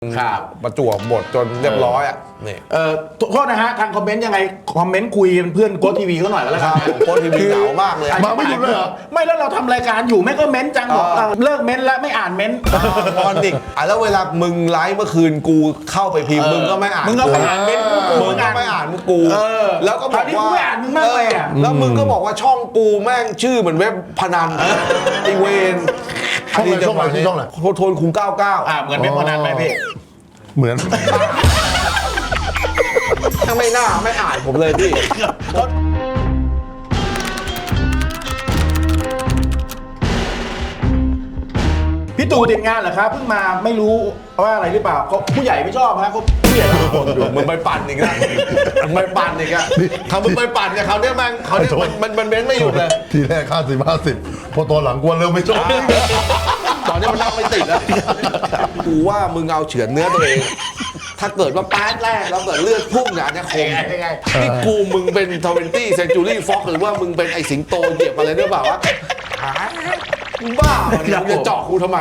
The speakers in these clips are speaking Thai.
ประจวบหมดจนเรียบร้อยอ่ะนี่โทษนะฮะทางคอมเมนต์ยังไงคอมเมนต์คุยเป็นเพื่อนโค้ชทีวีเขาหน่อยก็แล้วกันโค้ชทีวีเหงามากเลยมาไม่หยุดเลยเหรอไม่แล้วเราทำรายการอยู่ไม่ก็เม้นจังบอกเลิกเม้นแล้วไม่อ่านเม้นมอนดิกแล้วเวลามึงไลฟ์เมื่อคืนกูเข้าไปพิมพ์มึงก็ไม่อ่านมึงก็ไม่อ่านเม้นมึงก็ไม่อ่านมึงกูแล้วก็บอกว่าไม่อ่านมึงมากเลยอ่ะแล้วมึงก็บอกว่าช่องกูแม่งชื่อเหมือนเว็บพนันไอเวนช่องไหนโทนคุง99 เหมือนเว็บพนันไหมพี่เหมือนถ้าไม่น่าไม่อ่านผมเลยพี่พี่ตู่ติดงานเหรอครับเพิ่งมาไม่รู้ว่าอะไรหรือเปล่าเขาผู้ใหญ่ไม่ชอบฮะเขาผู้ใหญ่ทุกคนอยู่มึงไปปั่นอีกแล้วมึงไปปั่นอีกอะทำมึงไปปั่นเนี่ยเขาเนี่ยแม่งเขาเนี่ยมันเม้นไม่หยุดเลยทีแรก50 พอตอนหลังกวนเริ่มไม่ชอบตอนนี้มันนั่งไม่ติดแล้วกูว่ามึงเอาเฉือนเนื้อตัวเองถ้าเกิดว่าแป๊ดแรกแล้วเกิดเลือดพุ่งเนี่ยจะคงนี่กูมึงเป็น20 Century Fox หรือว่ามึงเป็นไอสิงโตเหยียบอะไรหรือเปล่าวะมึงบ้ามึงจะเจาะกูทำไม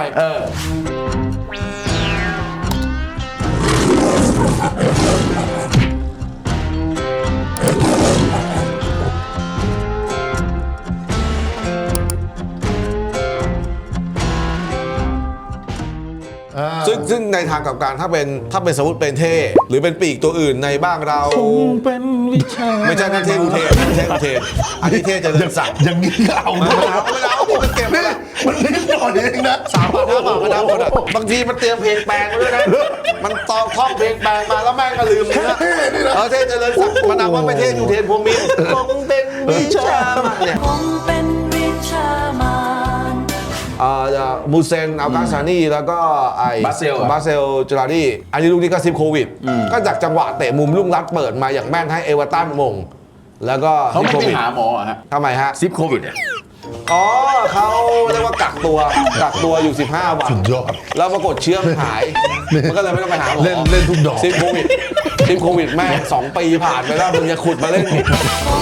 ซึ่งในทางกับการถ้าเป็นสมมติเป็นเท่หรือเป็นปีกตัวอื่นในบ้างเราเป็นวิชาไม่ใช่นั่นเท่อุเทนไม่ใช่อุเทนอันนี้เท่จะเดินสั่งอย่างนี้ก็เอาไม่เอามันเก็บไม่มันนิดหน่อยเองนะ 3 บาท 5 บาทก็ได้หมดอ่ะบางทีมันเตรียมเพลงแปลงมาด้วยนะมันตองท่องเพลงแปลงมาแล้วแม่งก็ลืมเลยนะเท่จะเดินสั่งมันนำว่าไม่เท่อุเทนพวมินคงเป็นวิชาเนี่ยคงเป็นวิชามานมูเซนอัลกาซานีแล้วก็ไอบาเซลจูราดีอันนี้ลูกนี้ก็ซิปโควิดก็จากจังหวะเตะมุมลุ่งรัดเปิดมาอย่างแม่นให้เอเวอร์ตันมงแล้วก็เขาไม่ไปหาหมอฮะทำไมฮะซิปโควิดอ๋อเขาเรียกว่ากักตัวอยู่15 วันแล้วปรากฏเชื้อมันหายมันก็เลยไม่ต้องไปหาหมอเล่นทุกดอกซิปโควิดแม่ง2 ปีผ่านไปแล้วมึงจะขุดมาเล่นอีก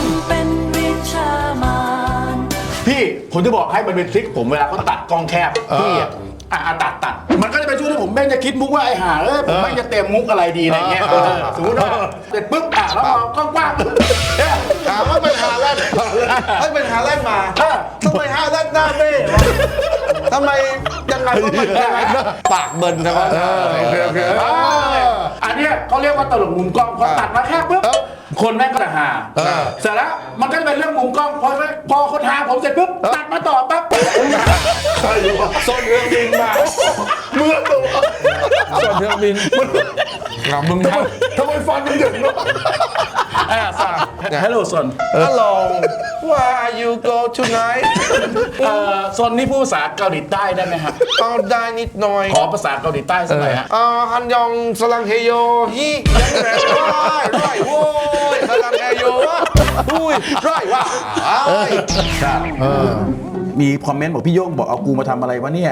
พี่ผมจะบอกให้มันเป็นทริคผมเวลาเขาตัดกล้องแคบพี่ตัดมันก็จะไปช่วยให้ผมแม่งจะคิดมุกว่าไอ้ห่าผมแม่งจะเตรียมมุกอะไรดีอะไรเงี้ยสมมติว่าเสร็จปุ๊บแล้วมองกว้างถามว่าเป็นหาแรกให้เป็นหาแรกมาทำไมหาแรกหน้าเบ้ทำไมยังไงก็มันยังไงปากเบิ่นใช่ไหมอันนี้เขาเรียกว่าตลกมุมกล้องพอตัดมาแคบปุ๊บคนแม่งก็จะหาเสร็จแล้วมันก็จะเป็นเรื่องมุมกล้องพอคนหาผมเสร็จปุ๊บตัดมาต่อปั๊บใครรู้ว่าส้นเรื่องบินมาเมื่อตัวส้นเรื่องบินมึงทำไมฟันมันหยุดเนาะฮัลโหลซอนฮัลโหล Where you go tonight ซอนนี่พูดภาษาเกาหลีใต้ได้ไหมครับได้นิดหน่อยขอภาษาเกาหลีใต้สักหน่อยฮะฮันยองสลังเฮโยฮียังแรงไรโว้ยสลังเฮโยอุ้ยไรวะมีคอมเมนต์บอกพี่โย่งบอกเอากูมาทำอะไรวะเนี่ย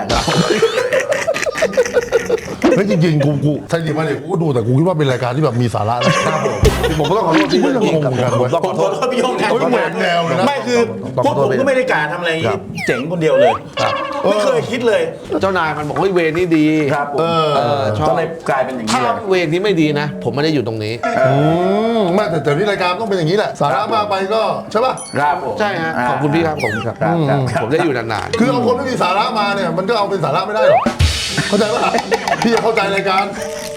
เฮ้ยจริงๆกูใช่จริงไหมเนี่ยกูดูแต่กูคิดว่าเป็นรายการที่แบบมีสาระนะครับผมก็ต้องขอโทษที่ไม่งงกันผมขอโทษพี่โย่งนะแนวเลยนะไม่คือพวกผมก็ไม่ได้การทำอะไรเจ๋งคนเดียวเลยไม่เคยคิดเลยเจ้านายมันบอกว่าเวรนี่ดีครับชอบเลยกลายเป็นอย่างนี้ถ้าเวรที่ไม่ดีนะผมไม่ได้อยู่ตรงนี้ไม่แต่นี่รายการต้องเป็นอย่างนี้แหละสาระมากไปก็ใช่ป่ะครับใช่ฮะขอบคุณพี่ครับผมครับผมได้อยู่นานๆคือเอาคนไม่มีสาระมาเนี่ยมันก็เอาเป็นสาระไม่ได้หรอกเข้าใจป่ะพี่จะเข้าใจรายการ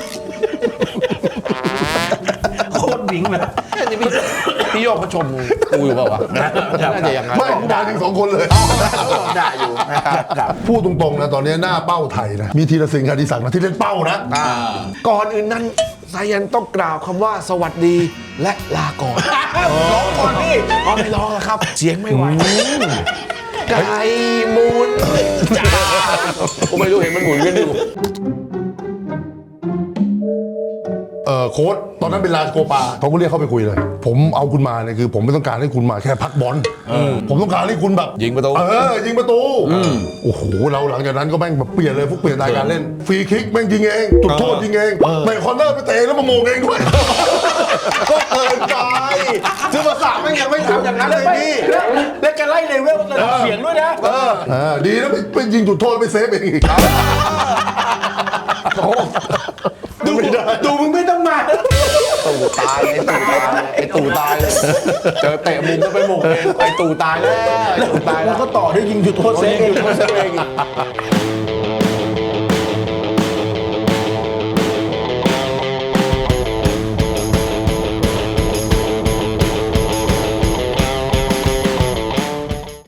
โคตรวิ่งเลยนี่พี่โยกเขาชมกูอยู่เปล่าวะน่าจะอย่างนั้นไม่กูมาถึง2 คนเลยด่าอยู่นะครับพูดตรงๆนะตอนนี้หน้าเป้าไทยนะมีธีรศิลป์ คดิศักดิ์นะที่เล่นเป้านะก่อนอื่นนั้นสายันต้องกล่าวคำว่าสวัสดีและลาก่อนร้องก่อนพี่ไม่ร้องแล้วครับเสียงไม่ไหวไก่หมุนจ้าผมไม่รู้เห็นมันหมุนกันอยู่โค้ชตอนนั้นเป็นลาสโกปาเขาก็เรียกเข้าไปคุยเลยผมเอาคุณมาเนี่ยคือผมไม่ต้องการให้คุณมาแค่พักบอลผมต้องการให้คุณแบบยิงประตูยิงประตูโอ้โหเราหลังจากนั้นก็แม่งแบบเปลี่ยนเลยพวกเปลี่ยนสไตล์การเล่นฟรีคิกแม่งยิงเองจุดโทษยิงเองไม่คอร์เนอร์ไปเตะแล้วมาโมงเองด้วยก็เกินไปคือภาษาแม่งยังไม่ทำอย่างนั้นเลยพี่แล้วแกไล่เลเวลเสียงด้วยนะดีนะไปยิงจุดโทษไปเซฟเองอีกไม่ได้ตู่มึงไม่ต้องมาตู่ตายไอ้ตู่ตายเลยเจอเตะมุมก็ไปหมกเองไอ้ตู่ตายแล้วไอ้ตู่ตายแล้แล้ว วก็ต่อด้วยยิงจุดโทษเซฟยิงจุดโทษเซฟเอง